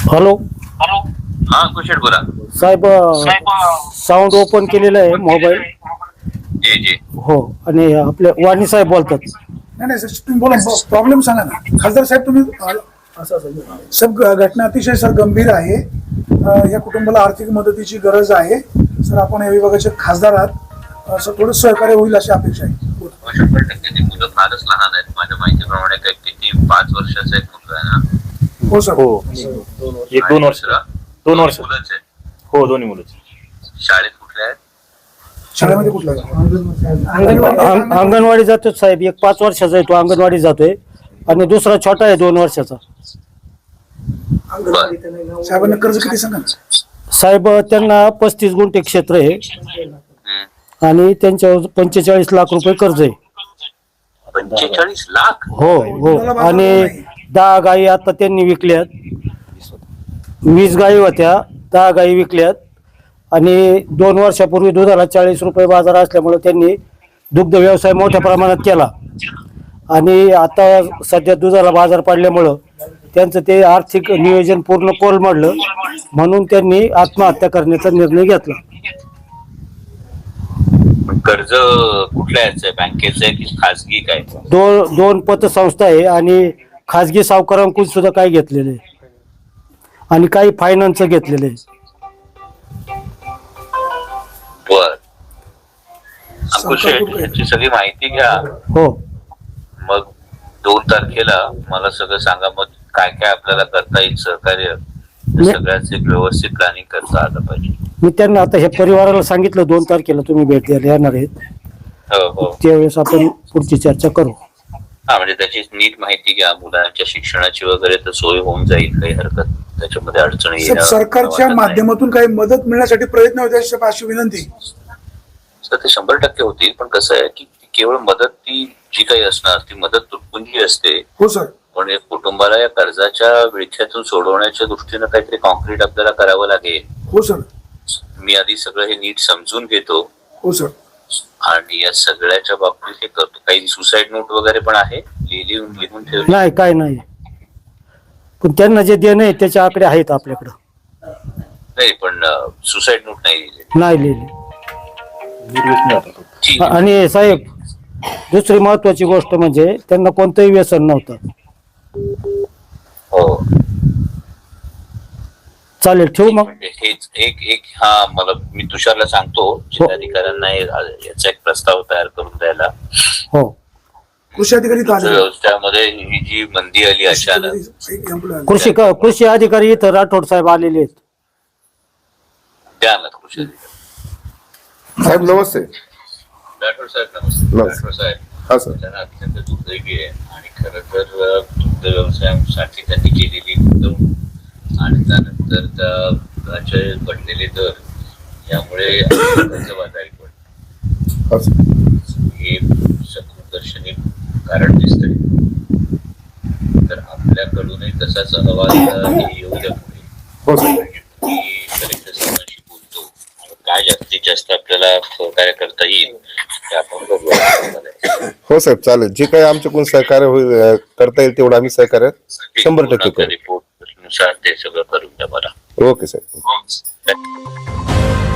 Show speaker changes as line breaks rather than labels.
Hello
हा कुशल बोला
साहेब, sound open केलेलं आहे मोबाईल.
जी जी
हो, आणि आपले वाणी साहेब बोलतात.
नाही नाही सर, तुम्ही बोला, प्रॉब्लेम सांगा ना खासदार साहेब. तुम्ही सब घटना अतिशय सर गंभीर आहे. या कुटुंबाला आर्थिक मदतीची गरज आहे सर. आपण या विभागाचे खासदार आहात सर, थोडं सहकार्य होईल अशी अपेक्षा आहे.
100% ती मुलं फारच लहान आहेत. माझ्या माहितीप्रमाणे काय किती 5 वर्षाचा एक मुलगा आहे ना?
हो सर.
हो, एक 2 वर्ष. 2 वर्ष.
मुलंच आहे.
हो, दोन्ही मुलंच.
शाळेत कुठल्या आहेत?
शाळेमध्ये कुठला
अंगणवाडी जातो साहेब. एक 5 वर्षाचा आहे, तो अंगणवाडी जातोय. आणि दुसरा छोटा आहे 2 वर्षाचा.
साहेबांना कर्ज किती सांगा ना?
साहेब, त्यांना 35 गुंठे क्षेत्र आहे आणि त्यांच्यावर 45 लाख रुपये कर्ज आहे.
45 लाख?
हो हो. आणि 10 गायी आता त्यांनी विकल्यात. 20 गायी होत्या, 10 गायी विकल्यात. आणि 2 वर्षापूर्वी दुधाला 40 रुपये बाजार असल्यामुळे त्यांनी दुग्ध व्यवसाय मोठ्या प्रमाणात केला. आणि आता सध्या दुधाला बाजार पडल्यामुळं त्यांचं ते आर्थिक नियोजन पूर्ण कोलमडलं, म्हणून त्यांनी आत्महत्या करण्याचा निर्णय घेतला.
कर्ज कुठल्या याचं आहे? बँकेचं आहे की खासगी काय?
दोन पतसंस्था आहे आणि खाजगी सावकारांकडून सुद्धा काही घेतलेले आहे आणि काही फायनान्स घेतलेले आहे.
बर, याची सगळी माहिती घ्या.
हो,
मग 2 तारखेला मला सगळं सांगा. मग काय काय आपल्याला करता येईल सहकार्य, सगळ्याच एक व्यवस्थित प्लॅनिंग करता आलं पाहिजे.
मी त्यांना आता हे परिवाराला सांगितलं 2 तारखेला तुम्ही भेट द्यायला येणार आहेत.
हो हो.
त्यावेळेस आपण पुढची चर्चा करू.
हा, म्हणजे त्याची नीट माहिती घ्या. मुलांच्या शिक्षणाची वगैरे तर सोय होऊन जाईल, काही हरकत त्याच्यामध्ये अडचणी
सर, सरकारच्या माध्यमातून काही मदत मिळण्यासाठी प्रयत्न होते अशी विनंती.
सर, ते 100% होतील. पण कसं आहे की केवळ मदत, ती जी काही असणार ती मदत तुटपुंजी असते.
हो सर.
पण एक कुटुंबाला या कर्जाच्या विळख्यातून सोडवण्याच्या दृष्टीनं काहीतरी कॉन्क्रीट आपल्याला करावं लागेल.
हो सर.
मी आधी सगळं हे नीट समजून घेतो.
हो सर.
आणि या सगळ्याच्या बाबतीत हे करतो. काही सुसाईड नोट वगैरे पण आहे, लिहून ठेवली?
नाही, काय नाही. पण त्यांना जे देणं आहे त्याचे आकडे आहेत आपल्याकडं.
नाही, पण सुसाईड नोट नाही लिहिली.
नाही लिहिले.
ठीक आहे.
आणि साहेब, दुसरी महत्वाची गोष्ट म्हणजे त्यांना कोणतंही व्यसन नव्हतं.
हो,
चालेल, ठेवू मग.
म्हणजे हेच एक हा, मला मी तुषारला सांगतो जिल्हाधिकाऱ्यांना याचा एक प्रस्ताव तयार करून द्यायला.
हो,
कृषी अधिकारी
व्यवस्थामध्ये ही जी मंदी आली अचानक,
कृषी अधिकारी इथं राठोड साहेब आलेले आहेत.
द्या ना कृषी अधिकारी
साहेब. नमस्ते.
राठोड साहेब. नमस्ते. राठोड साहेब,
हा सर.
त्यांना अत्यंत दुर्दैवी आहे. आणि खरं तर दुग्ध व्यवसायासाठी त्यांनी केलेली गुंतवणूक आणि त्यानंतर त्याचे पडलेले दर यामुळे कर्जबाजारी पडले.
हा सर.
हे सकृदर्शनी कारण दिसतंय. तर आपल्याकडूनही तसाच अहवाल येऊ द्या पुढे.
हो सर.
की कलेक्टर साहेबांशी बोलतो. काय जास्तीत जास्त आपल्याला सहकार्य करता येईल ते आपण बघूया.
हो साहेब, चालेल. जे काही आमच्याकडून सहकार्य होईल, करता येईल तेवढं आम्ही सहकार्य 100% करू.
रिपोर्ट नुसार ते सगळं करून द्या मला.
ओके साहेब.